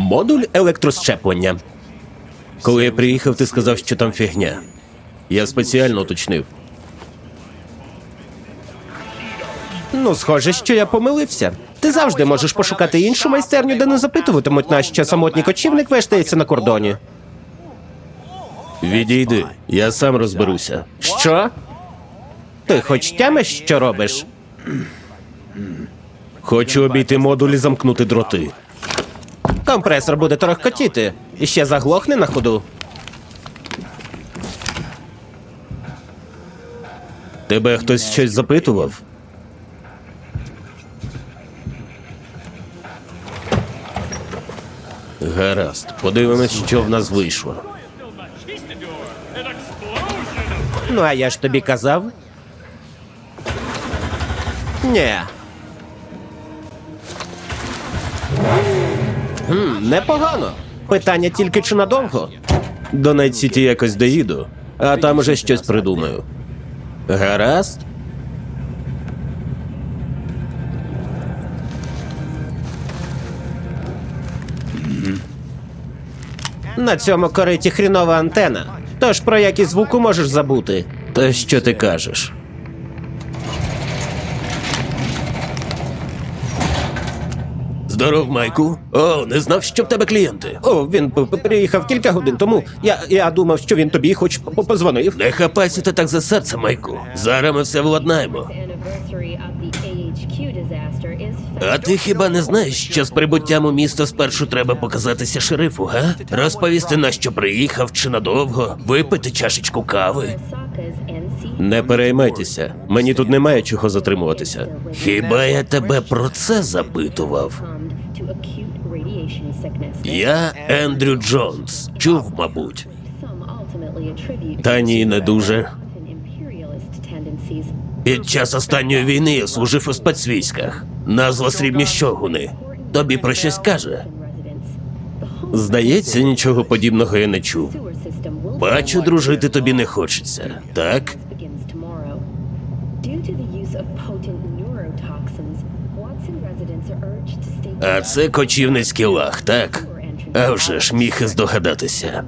Модуль електрощеплення. Коли я приїхав, ти сказав, що там фігня. Я спеціально уточнив. Ну, схоже, що я помилився. Ти завжди можеш пошукати іншу майстерню, де не запитуватимуть, нащо самотній кочівник вештається на кордоні. Відійди, я сам розберуся. Що? Ти хоч тямиш, що робиш? Хочу обійти модуль і замкнути дроти. Компресор буде торохкотіти. І ще заглохне на ходу. Тебе хтось щось запитував? Гаразд, подивимось, що в нас вийшло. Ну, а я ж тобі казав. Ні. Непогано. Питання тільки чи надовго? До Найт-Сіті якось доїду, а там уже щось придумаю. Гаразд? На цьому кориті хрінова антена. Тож про якість звуку можеш забути. Та що ти кажеш? Здоров, Майку. О, не знав, що в тебе клієнти. О, він приїхав кілька годин тому. Я думав, що він тобі хоч позвонив. Не хапайся ти так за серце, Майку. Зараз ми все владнаємо. А ти хіба не знаєш, що з прибуттям у місто спершу треба показатися шерифу, га? Розповісти, на що приїхав, чи надовго, випити чашечку кави? Не переймайтеся, мені тут немає чого затримуватися. Хіба я тебе про це запитував? Я Ендрю Джонс. Чув, мабуть. Та ні, не дуже. Під час останньої війни я служив у спецвійськах. Назва «Срібні щогуни». Тобі про щось каже? Здається, нічого подібного я не чув. Бачу, дружити тобі не хочеться, так? А це кочівницький лаг, так? А вже ж міг і здогадатися.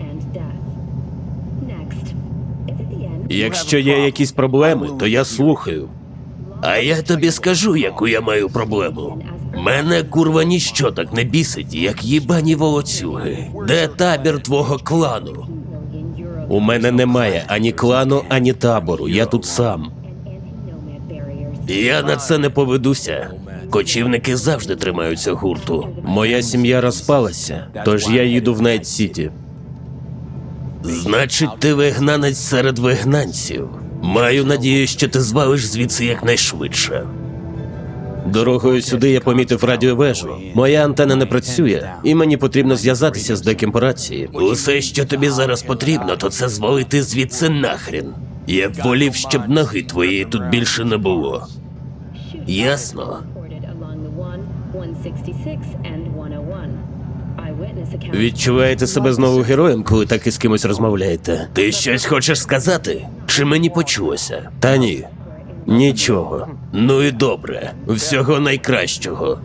Якщо є якісь проблеми, то я слухаю. А я тобі скажу, яку я маю проблему. Мене, курва, ніщо так не бісить, як їбані волоцюги. Де табір твого клану? У мене немає ані клану, ані табору. Я тут сам. Я на це не поведуся. Кочівники завжди тримаються гурту. Моя сім'я розпалася, тож я їду в Найт-Сіті. Значить, ти вигнанець серед вигнанців. Маю надію, що ти звалиш звідси якнайшвидше. Дорогою сюди я помітив радіовежу. Моя антена не працює, і мені потрібно зв'язатися з деким по рації. Усе, що тобі зараз потрібно, то це звалити звідси нахрін. Я б волів, щоб ноги твоєї тут більше не було. Ясно? Відчуваєте себе знову героєм, коли так із кимось розмовляєте? Ти щось хочеш сказати? Чи мені почулося? Та ні. Нічого. Ну і добре. Всього найкращого.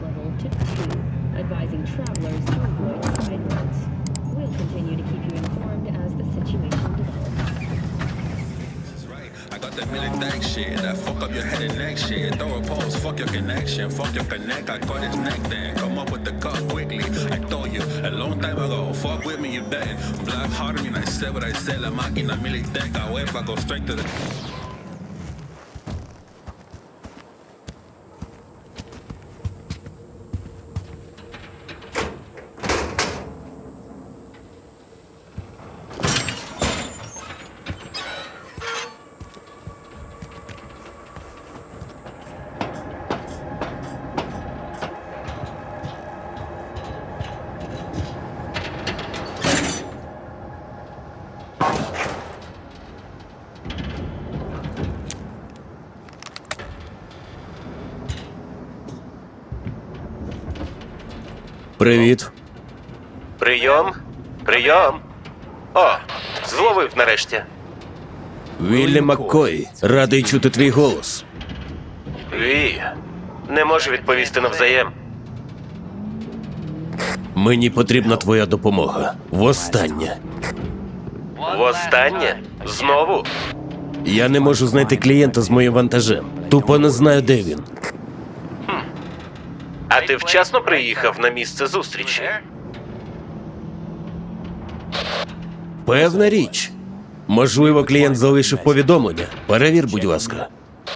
Shit, that fuck up your head and neck shit. Throw a pose, fuck your connection, fuck your connect. I got his neck then. Come up with the cut quickly. I told you a long time ago. Fuck with me, you bet. Black heart me, I said what I said. La máquina militanca, I go straight to the. Привіт. Прийом. Прийом. О, зловив нарешті. Віллі Маккой, радий чути твій голос. Не можу відповісти навзаєм. Мені потрібна твоя допомога. Востаннє. Востаннє? Знову? Я не можу знайти клієнта з моїм вантажем. Тупо не знаю, де він. А ти вчасно приїхав на місце зустрічі? Певна річ. Можливо, клієнт залишив повідомлення. Перевір, будь ласка.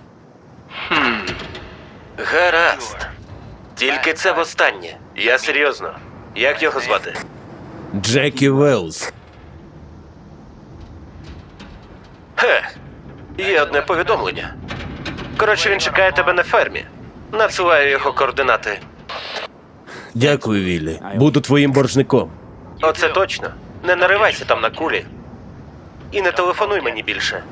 Гаразд. Тільки це востаннє. Я серйозно. Як його звати? Джекі Велс. Є одне повідомлення. Коротше, він чекає тебе на фермі. Надсилаю його координати. Дякую, Віллі. Буду твоїм боржником. Оце точно. Не наривайся там на кулі. І не телефонуй мені більше.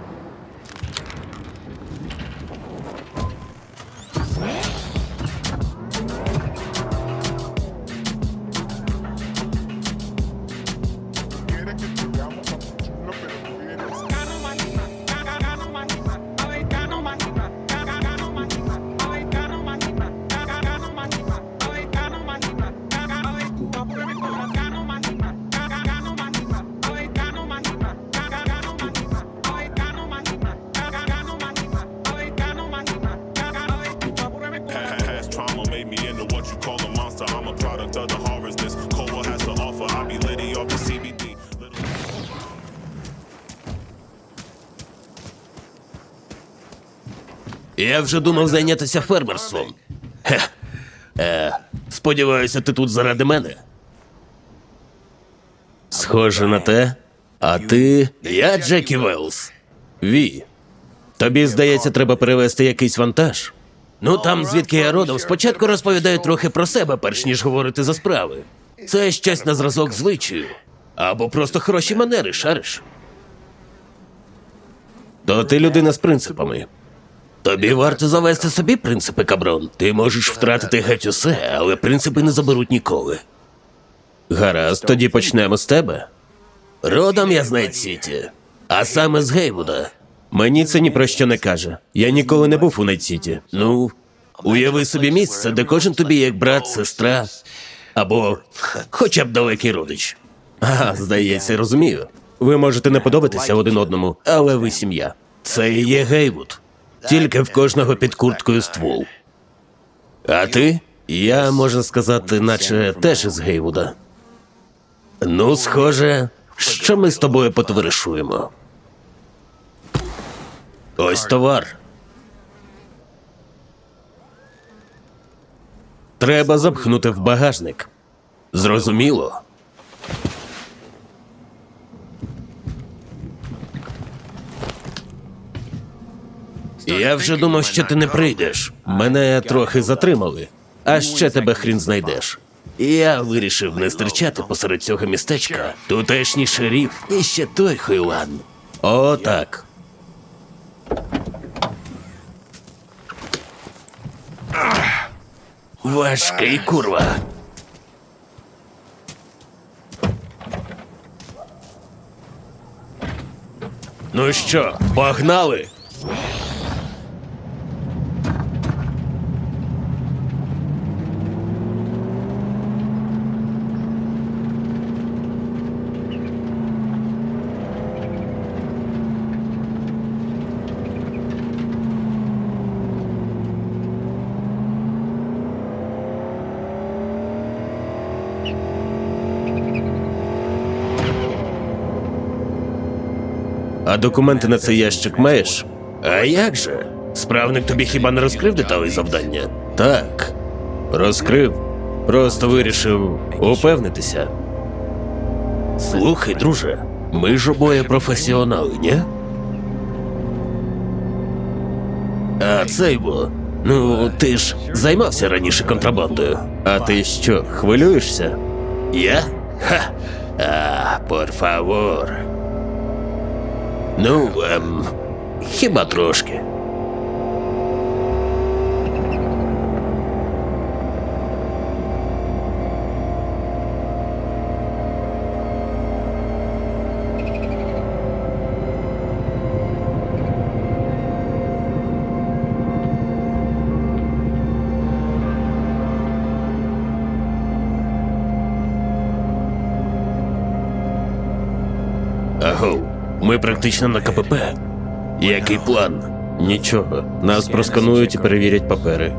Past trauma made me into what you call a monster. I'm a product of the horrors this Cole has to offer. I be litty off the CBD. Я вже думав зайнятися фермерством. Сподіваюся, ти тут заради мене. Схоже на те. А ти... Я Джекі Велс. Ві. Тобі, здається, треба перевезти якийсь вантаж? Ну, там, звідки я родом, спочатку розповідаю трохи про себе, перш ніж говорити за справи. Це щось на зразок звичаю. Або просто хороші манери, шариш. То ти людина з принципами. Тобі варто завести собі принципи, каброн. Ти можеш втратити геть усе, але принципи не заберуть ніколи. Гаразд, тоді почнемо з тебе. Родом я з Найт-Сіті, а саме з Гейвуда. Мені це ні про що не каже. Я ніколи не був у Найт-Сіті. Ну, уяви собі місце, де кожен тобі як брат, сестра, або хоча б далекий родич. Ага, здається, розумію. Ви можете не подобатися один одному, але ви сім'я. Це і є Гейвуд. Тільки в кожного під курткою ствол. А ти? Я, можна сказати, наче теж із Гейвуда. Ну, схоже, що ми з тобою потоваришуємо. Ось товар. Треба запхнути в багажник. Зрозуміло? Я вже думав, що ти не прийдеш. Мене трохи затримали. А ще тебе хрін знайдеш. Я вирішив не стерчати посеред цього містечка. Тутешній шеріф і ще той Хойлан. О, так. Важкий, курва. Ну що, погнали? А документи на цей ящик маєш? А як же? Справник тобі хіба не розкрив деталі завдання? Так, розкрив. Просто вирішив упевнитися. Слухай, друже, ми ж обоє професіонали, ні? А цей бо, ну, ти ж займався раніше контрабандою. А ти що, хвилюєшся? Я? Ха! Por favor. Ну, хіба трошки. Ми практично на КПП. Який план? Нічого. Нас просканують і перевірять папери.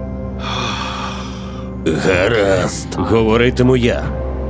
Гаразд. Говоритиму я.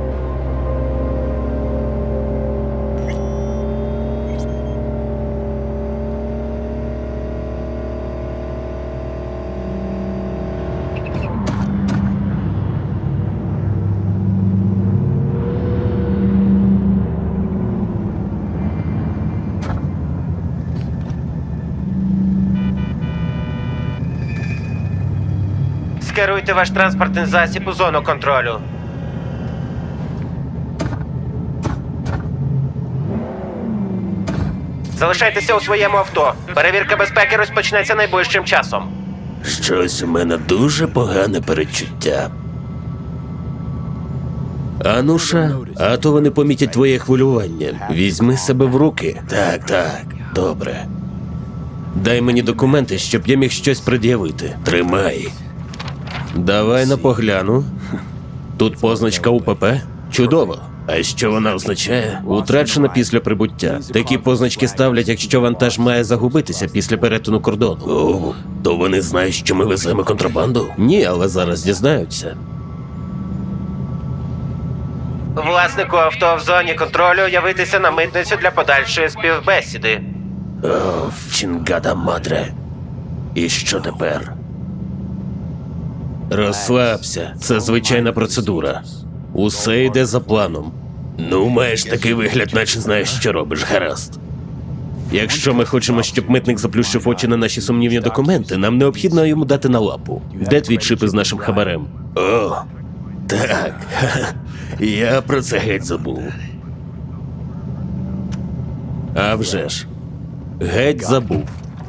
Скеруйте ваш транспортний засіб у зону контролю. Залишайтеся у своєму авто. Перевірка безпеки розпочнеться найближчим часом. Щось у мене дуже погане передчуття. Ануша, а то вони помітять твоє хвилювання. Візьми себе в руки. Так, добре. Дай мені документи, щоб я міг щось пред'явити. Тримай. Давай на погляну. Тут позначка УПП? Чудово. А що вона означає? Утрачена після прибуття. Такі позначки ставлять, якщо вантаж має загубитися після перетину кордону. О, то вони знають, що ми веземо контрабанду? Ні, але зараз дізнаються. Власнику авто в зоні контролю явитися на митницю для подальшої співбесіди. О, Чінгада мадре. І що тепер? Розслабся, це звичайна процедура. Усе йде за планом. Ну, маєш такий вигляд, наче знаєш, що робиш, гаразд. Якщо ми хочемо, щоб митник заплющив очі на наші сумнівні документи, нам необхідно йому дати на лапу. Де твій чип із нашим хабарем? О, так. Я про це геть забув. А вже ж. Геть забув.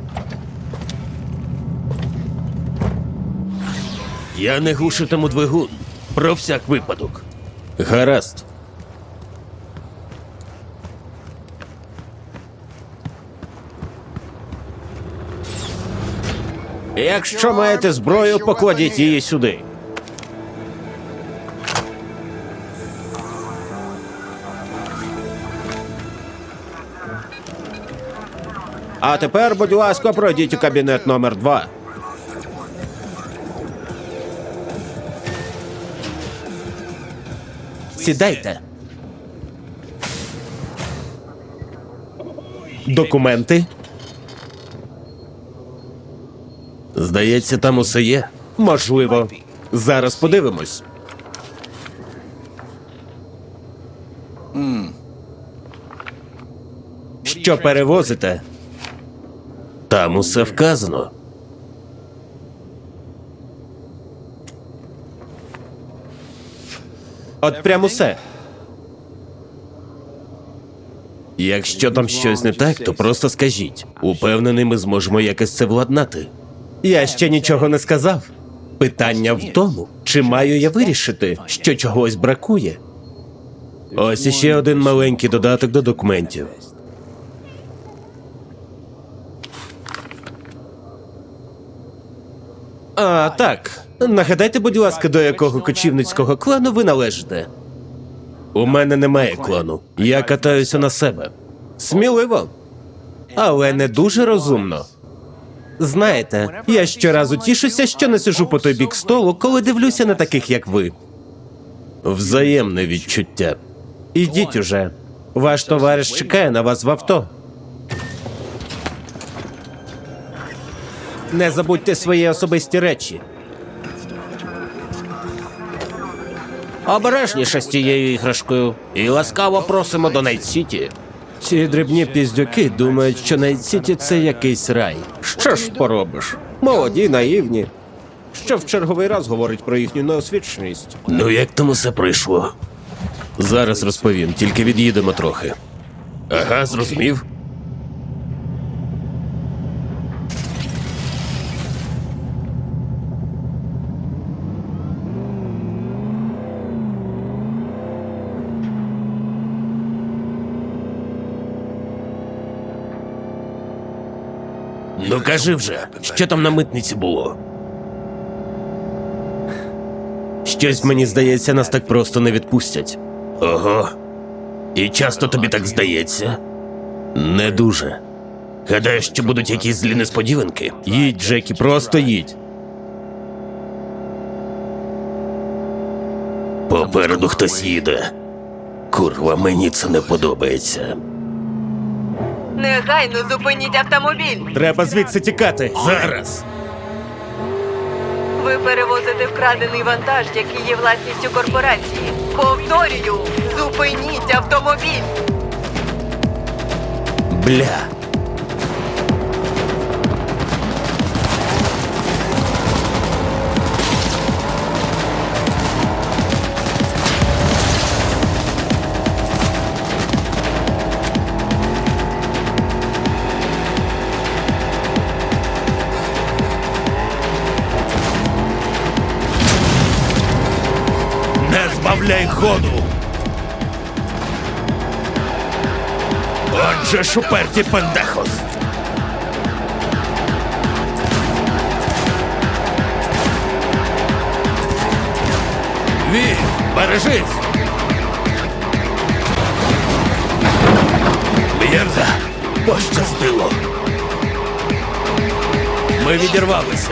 Я не глушитиму двигун. Про всяк випадок. Гаразд. Якщо маєте зброю, покладіть її сюди. А тепер, будь ласка, пройдіть у кабінет номер 2. Сідайте. Документи? Здається, там усе є. Можливо. Зараз подивимось. Що перевозите? Там усе вказано. От прям усе. Якщо там щось не так, то просто скажіть. Упевнений, ми зможемо якось це владнати. Я ще нічого не сказав. Питання в тому, чи маю я вирішити, що чогось бракує. Ось іще один маленький додаток до документів. А, так. Нагадайте, будь ласка, до якого кочівницького клану ви належите? У мене немає клану. Я катаюся на себе. Сміливо. Але не дуже розумно. Знаєте, я щоразу тішуся, що не сиджу по той бік столу, коли дивлюся на таких, як ви. Взаємне відчуття. Ідіть уже. Ваш товариш чекає на вас в авто. Не забудьте свої особисті речі. Обережніше з тією іграшкою. І ласкаво просимо до Найт-Сіті. Ці дрібні піздюки думають, що Найт-Сіті – це якийсь рай. Що ж поробиш? Молоді, наївні. Що в черговий раз говорить про їхню неосвіченість. Ну як там усе пройшло? Зараз розповім, тільки від'їдемо трохи. Ага, зрозумів. Ну кажи вже, що там на митниці було? Щось, мені здається, нас так просто не відпустять. Ого. І часто тобі так здається? Не дуже. Гадаєш, що будуть якісь злі несподіванки? Їдь, Джекі, просто їдь. Попереду хтось їде. Курва, мені це не подобається. Негайно зупиніть автомобіль. Треба звідси тікати. Зараз. Ви перевозите вкрадений вантаж, який є власністю корпорації. Повторюю, зупиніть автомобіль. Бля. Не збавляй ходу! Отже ж уперті пендехос! Ві, бережись! М'єрда, пощастило! Ми відірвалися!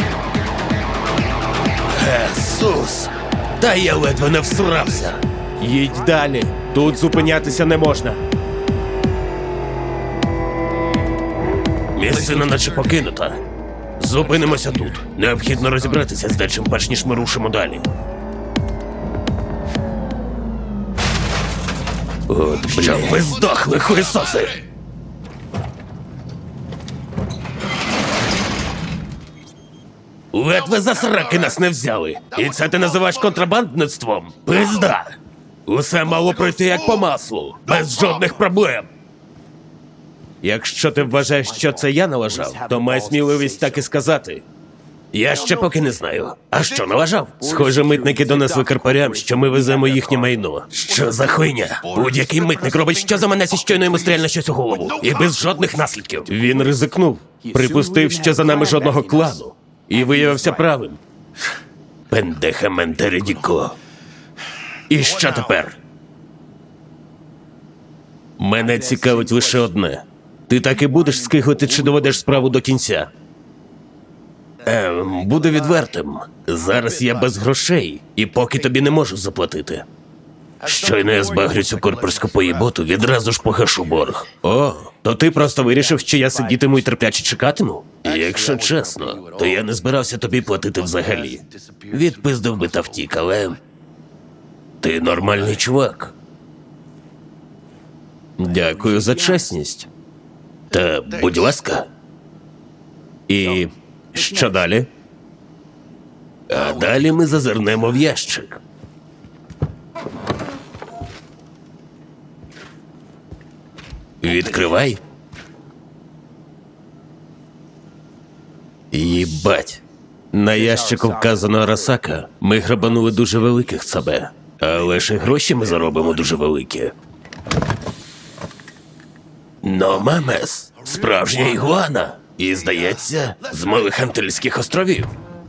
Jesús! Та я ледве не всрався. Їдь далі. Тут зупинятися не можна. Місцина наче покинута. Зупинимося тут. Необхідно розібратися з дечим, перш ніж ми рушимо далі. От, бля. Щоб ви здохли, хуєсоси! Ледве за сраки нас не взяли. І це ти називаєш контрабандництвом? Пизда! Усе мало пройти як по маслу, без жодних проблем. Якщо ти вважаєш, що це я налажав, то май сміливість так і сказати. Я ще поки не знаю. А що налажав? Схоже, митники донесли карпарям, що ми веземо їхнє майно. Що за хуйня? Будь-який митник робить що за мене, щойно йому стрельне щось у голову. І без жодних наслідків. Він ризикнув. Припустив, що за нами жодного клану. І виявився правим. Пендеха Ментередіко. І що тепер? Мене цікавить лише одне. Ти так і будеш скиглити, чи доведеш справу до кінця? Буду відвертим. Зараз я без грошей, і поки тобі не можу заплатити. Щойно я збагрю цю корпорську поїботу, відразу ж погашу борг. О, то ти просто вирішив, що я сидітиму і терпляче чекатиму? Якщо чесно, то я не збирався тобі платити взагалі. Відпиздив би та втік, але... Ти нормальний чувак. Дякую за чесність. Та, будь ласка. І що далі? А далі ми зазирнемо в ящик. Відкривай. Їбать. На ящику вказано Арасака. Ми грабанули дуже великих себе. Але ж і гроші ми заробимо дуже великі. Но мамес, справжня ігуана. І, здається, з малих Антильських островів.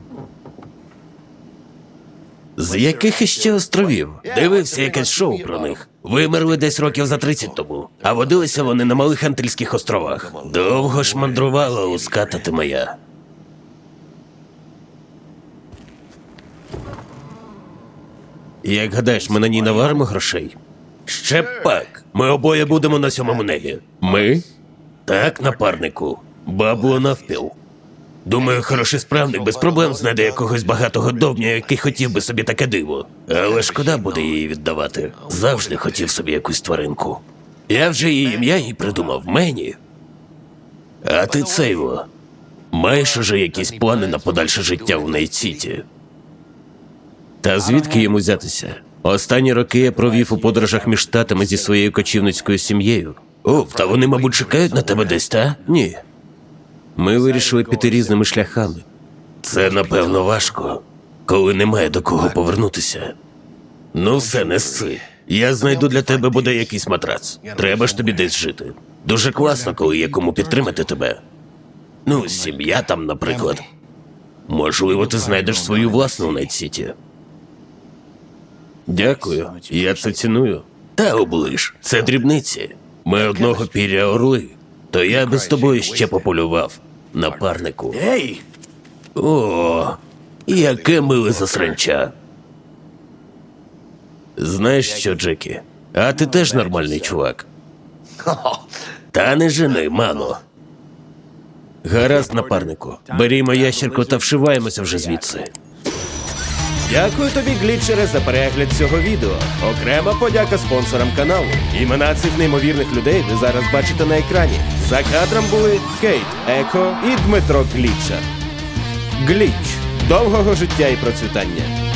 З яких іще островів? Дивився якесь шоу про них. Вимерли десь років за 30 тому, а водилися вони на малих Антильських островах. Довго ж мандрувала луската ти моя. Як гадаєш, ми на ній наваримо грошей? Ще пак. Ми обоє будемо на 7-му небі. Ми? Так, напарнику. Бабло навпіл. Думаю, хороший справник без проблем знайде якогось багатого довня, який хотів би собі таке диво. Але шкода буде її віддавати. Завжди хотів собі якусь тваринку. Я вже її ім'я їй придумав, Мені. А ти цейво. Маєш уже якісь плани на подальше життя в Найт-Сіті? Та звідки йому взятися? Останні роки я провів у подорожах між штатами зі своєю кочівницькою сім'єю. О, та вони, мабуть, чекають на тебе десь, та? Ні. Ми вирішили піти різними шляхами. Це, напевно, важко, коли немає до кого повернутися. Ну все, не сси. Я знайду для тебе буде якийсь матрац. Треба ж тобі десь жити. Дуже класно, коли є кому підтримати тебе. Ну, сім'я там, наприклад. Можливо, ти знайдеш свою власну в Найт-Сіті. Дякую, я це ціную. Та оближ, це дрібниці. Ми одного піря орли, то я би з тобою ще пополював, напарнику. Ей! О, яке миле засранча. Знаєш що, Джекі? А ти теж нормальний чувак. Та не жени, мано. Гаразд, напарнику. Берімо ящерку та вшиваємося вже звідси. Дякую тобі, глітчере, за перегляд цього відео. Окрема подяка спонсорам каналу. Імена цих неймовірних людей ви зараз бачите на екрані. За кадром були Кейт, Еко і Дмитро Глітчер. Гліч. Довгого життя і процвітання.